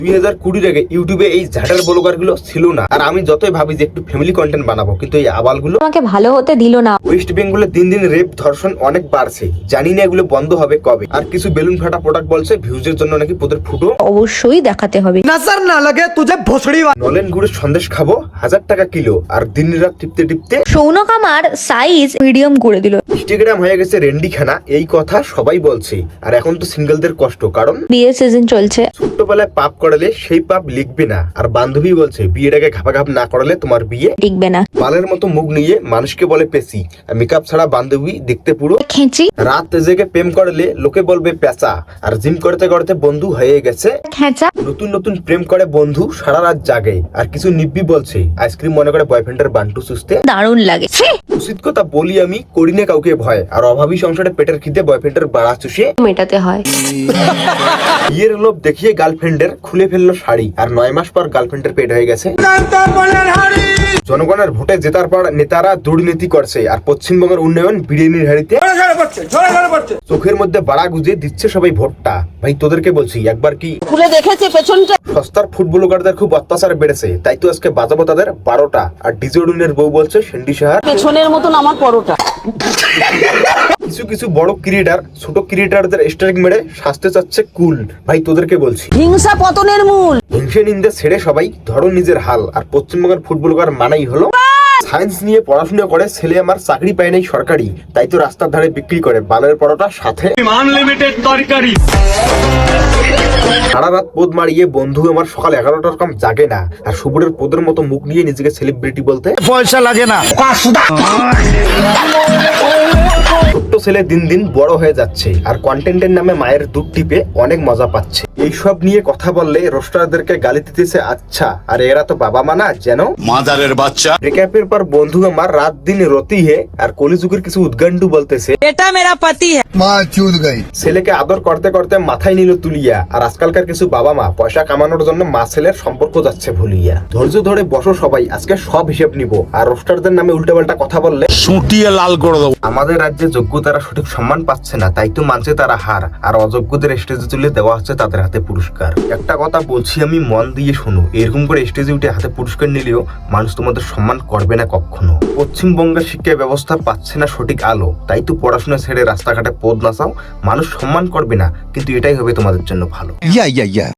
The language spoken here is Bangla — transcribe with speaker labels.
Speaker 1: 2020 আগে ইউটিউবে এই ঝাটার ব্লগার গুলো ছিল না। আর আমি যতই ভাবি যে একটু ফ্যামিলি কন্টেন্ট বানাবো, কিন্তু এই আবালগুলো
Speaker 2: আমাকে ভালো হতে দিল না।
Speaker 1: ওয়েস্ট বেঙ্গলে দিন দিন রেপ ধর্ষণ অনেক বাড়ছে, জানি না এগুলো বন্ধ হবে কবে। আর কিছু বেলুন ফাটা প্রোডাক্ট বলছে ভিউজের জন্য নাকি পোদের ফুটো
Speaker 2: অবশ্যই দেখাতে হবে।
Speaker 3: नजर ना लगे तुझे भोसड़ी।
Speaker 1: নলেন গুড়ের সন্দেশ খাবো 1000 টাকা কিলো, আর দিন রাত টিপতে টিপতে
Speaker 2: সৌনক আমার সাইজ মিডিয়াম করে দিল।
Speaker 1: ইনস্টাগ্রাম হয়ে গেছে রেন্ডিখানা, এই কথা সবাই বলছে। আর এখন তো সিঙ্গেলদের কষ্ট, কারণ
Speaker 2: বিয়ের সিজন চলছে।
Speaker 1: ছোট্টবেলায় পাপ করালে সেই পাপ লিখবে না। আর বান্ধবী বলছে বিয়ের আগে ঘাপাঘাপ না করালে তোমার বিয়ে
Speaker 2: টিকবে না।
Speaker 1: বালের মতো মুখ নিয়ে মানুষকে বলে পেশি, মেকআপ ছাড়া বান্ধবী দেখতে পুরো
Speaker 2: খেঁচি
Speaker 1: রাত জেগে প্রেম করলে লোকে বলবে পেঁচা। আর জিম করতে করতে বন্ধু হয়ে গেছে
Speaker 2: খেঁচা।
Speaker 1: নতুন নতুন প্রেম করে বন্ধু সারা রাত জাগে। আর কিছু নিব্বি বলছে আইসক্রিম মনে করে বয়ফ্রেন্ডের বান্টু সুস্তে।
Speaker 2: দারুণ লাগে।
Speaker 1: উচিত কথা বলি আমি, করি না কাউকে ভয়। আর অভাবী সংসারে পেটের খিদে বয়ফ্রেন্ডের বাড়া চুষে
Speaker 2: মেটাতে হয়।
Speaker 1: বিয়ের লোভ দেখিয়ে গার্লফ্রেন্ডের খুলে ফেললো শাড়ি। আর 9 মাস পর গার্লফ্রেন্ডের পেট হয়ে গেছে। জনগণের ভোটে জেতার পর নেতারা দুর্নীতি করছে। আর পশ্চিমবঙ্গের উন্নয়ন বিরিয়ানির হাড়িতে চোখের মধ্যে বাড়া গুজে দিচ্ছে সবাই ভোটটা। ভাই তোদেরকে বলছি একবার কি
Speaker 4: খুলে দেখেছে পেছনটা।
Speaker 1: সস্তার ফুটবলারদের খুব অত্যাচার বেড়েছে, তাই তো আজকে বাজাবো তাদের 12টা। আর ডিজোডুনের বউ বলছে সেন্ডি সাহার
Speaker 4: পেছনের মতন আমার পরোটা।
Speaker 1: কিছু কিছু বড় ক্রিয়েটার ছোট ক্রিয়েটারদের স্ট্রাইক মেরে শাস্তে চাচ্ছে কুল। ভাই তোদেরকে বলছি
Speaker 4: হিংসা পতনের মূল।
Speaker 1: হিংসে নিন্দে ছেড়ে সবাই ধরো নিজের হাল। আর পশ্চিমবঙ্গের ফুটবলার মানাই হলো সায়েন্স নিয়ে পড়াশোনা করে ছেলে আমার চাকরি পায় নাই সরকারি, তাই তো রাস্তার ধারে বিক্রি করে বালের পরোটা সাথে আনলিমিটেড তরকারি। সারা রাত পোদ মারিয়ে বন্ধু আমার সকাল 11টার কম জাগে না। আর সুবুরের পোদের মতো মুখ নিয়ে নিজেকে সেলিব্রিটি বলতে
Speaker 3: পয়সা লাগে না।
Speaker 1: ছোট্ট ছেলে দিন দিন বড় হয়ে যাচ্ছে। আর কন্টেন্টের নামে মায়ের দুধ টিপে অনেক মজা পাচ্ছে। এইসব নিয়ে কথা বললে রোস্টারদেরকে গালি দিতেছে আচ্ছা। আর এরা তো বাবা মা না যেন
Speaker 5: মাদারের বাচ্চা।
Speaker 1: ব্রেকআপের পর বন্ধু আমার রাত দিন রতি হে। আর কলিযুগের কিছু উদ্গান্ডু বলতেছে
Speaker 4: এটা মেরা পাতি হ্যায়।
Speaker 3: माँ चूत गई।
Speaker 1: ছেলেকে আদর করতে করতে মাথায় নিল তুলিয়া। আর আজকালকার কিছু বাবা মা পয়সা কামানোর জন্য মা ছেলের সম্পর্ক যাচ্ছে ভুলিয়া। ধৈর্য ধরে বসো সবাই, আজকে সব হিসেব নিব। আর রোস্টারদের নামে উল্টাপাল্টা কথা বললে
Speaker 5: সুটিয়ে লাল করে দেবো।
Speaker 1: আমাদের রাজ্যে যোগ্যতারা সঠিক সম্মান পাচ্ছে না, তাই তো মানছে তারা হার। আর অযোগ্যদের স্টেজে তুলে দেওয়া হচ্ছে তাদের হাতে পুরস্কার। একটা কথা বলছি আমি, মন দিয়ে শোনো, এরকম করে স্টেজে উঠে হাতে পুরস্কার নিলেও মানুষ তোমাদের সম্মান করবে না কখনো। পশ্চিমবঙ্গের শিক্ষা ব্যবস্থা পাচ্ছে না সঠিক আলো, তাই তো পড়াশোনা ছেড়ে রাস্তাঘাটে পদ নাচাও। মানুষ সম্মান করবে না, কিন্তু এটাই হবে তোমাদের জন্য ভালো।